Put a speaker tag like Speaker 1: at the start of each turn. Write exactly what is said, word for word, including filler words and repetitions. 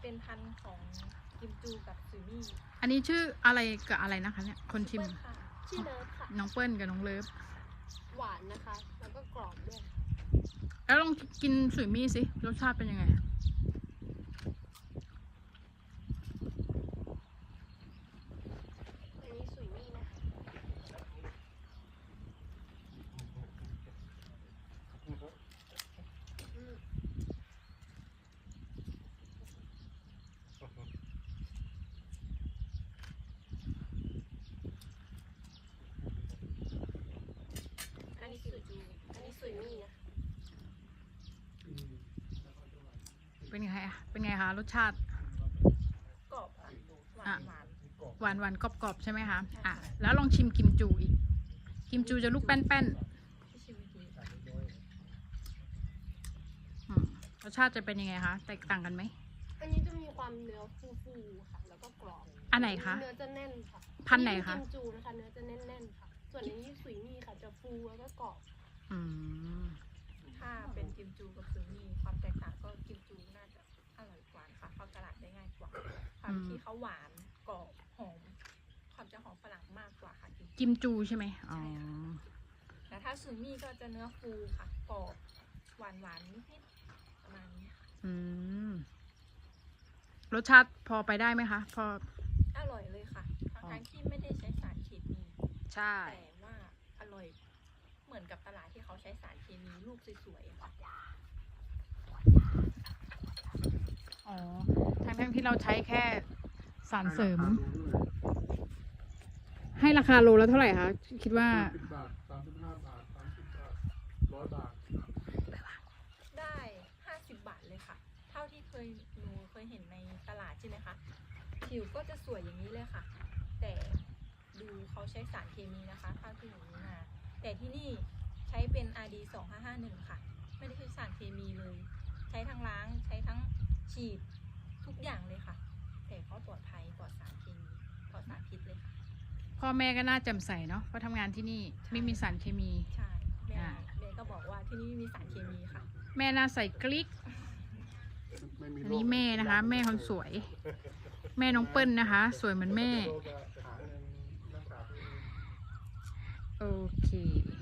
Speaker 1: เป็นพันธุ์ของกิมจูกับซูมี่
Speaker 2: อันนี้ชื่ออะไรกับอะไรนะคะเนี่ยคนชิม
Speaker 3: ชื่อเลิฟค่ะ
Speaker 2: น้องเปิ้ลกับน้องเลิฟ
Speaker 3: หวานนะคะ แล้วก็กรอบด้วย
Speaker 2: แล้วลองกินสุยมี่สิรสชาติเป็นยังไง
Speaker 3: อันนี้สุยมี่นะอืมอันนี้สุยมี่อันนี้สุยมี่นะ
Speaker 2: เป็นไงอะเป็นไงคะรสชาติ
Speaker 1: กรอบค่ะหวานหวาน
Speaker 2: หวานหวานกรอบๆใช่ไหมคะอ่ะแล้วลองชิมกิมจูอีกกิมจูจะลูกแป้น
Speaker 1: ที่ชิมเมื่อกี้
Speaker 2: ๆอืมรสชาติจะเป็นยังไงคะแตกต่างกันไหม
Speaker 3: อันนี้จะมีความเนื้อฟูๆค่ะ แล้วก็กรอบ
Speaker 2: อันไหนคะ
Speaker 3: เนื้อจะแน่นค่ะ
Speaker 2: พันธุ์ไหนคะ
Speaker 3: กิมจูนะคะ เนื้อจะแน่นๆค่ะ ส่วนอันนี้สุยมี่ค่ะ จะฟูแล้วก็กรอบ
Speaker 2: อืม
Speaker 1: ถ้าเป็นกิมจูกับซูมี่ความแตกต่างก็กิมจูน่าจะอร่อยกว่าค่ะเข้าตลาดได้ง่ายกว่าความที่เขาหวานกรอบหอมความจะหอมฝรั่งมากกว่าค่ะกิมจู
Speaker 2: กิมจูใช่ไหมอ๋อ
Speaker 1: แต่ถ้าซูมี่ก็จะเนื้อฟูค่ะกรอบหวานหวานนิดๆประมาณนี้ค่ะ
Speaker 2: อืมรสชาติพอไปได้ไหมคะพอ
Speaker 1: อร่อยเลยค่ะทั้งๆที่ไม่ได้ใช้สารเคมี
Speaker 2: ใช่
Speaker 1: แต่ว่าอร่อยเหมือนกับตลาดที่เขาใช้สารเคมีลูกสวยๆอะค่ะ
Speaker 2: อ๋อทั้งๆที่เราใช้แค่สารเสริม ให้ราคาโลแล้วเท่าไหร่คะคิดว่า
Speaker 4: สิบบาทสามสิบห้าบาทสามสิบบาทร้อยบาท
Speaker 1: ได้ห้าสิบบาทเลยค่ะ เท่าที่เคยหนูเคยเห็นในตลาดใช่ไหมคะผิวก็จะสวยอย่างนี้เลยค่ะ แต่ดูเขาใช้สารเคมีนะคะเท่าที่หนูรู้มาแต่ที่นี่ใช้เป็น อาร์ ดี สองห้าห้าหนึ่ง ค่ะไม่ได้ใช้สารเคมีเลย ใช้ทั้งล้างใช้ทั้งฉีดทุกอย่างเลยค่ะ แต่ก็ปลอดภัยปลอดสารเคมีปลอดสารพิษเลยค่ะ
Speaker 2: พ่อแม่ก็น่าแจ่มใสเนาะเพราะทำงานที่นี่ไม่มีสารเคมี
Speaker 1: ใช่แม่
Speaker 2: อ่า
Speaker 1: แม่ก็บอกว่าที่นี่ไม่มีสารเคมีค่ะ
Speaker 2: แม่น่าใส่กลิก
Speaker 4: ไม่มี
Speaker 2: อันนี้แม่นะคะ แม่คนสวย แม่น้องเปิ้ลนะคะ สวยเหมือนแม่
Speaker 4: โรคจะหาเงินรักษาตัวเอง
Speaker 2: โอเค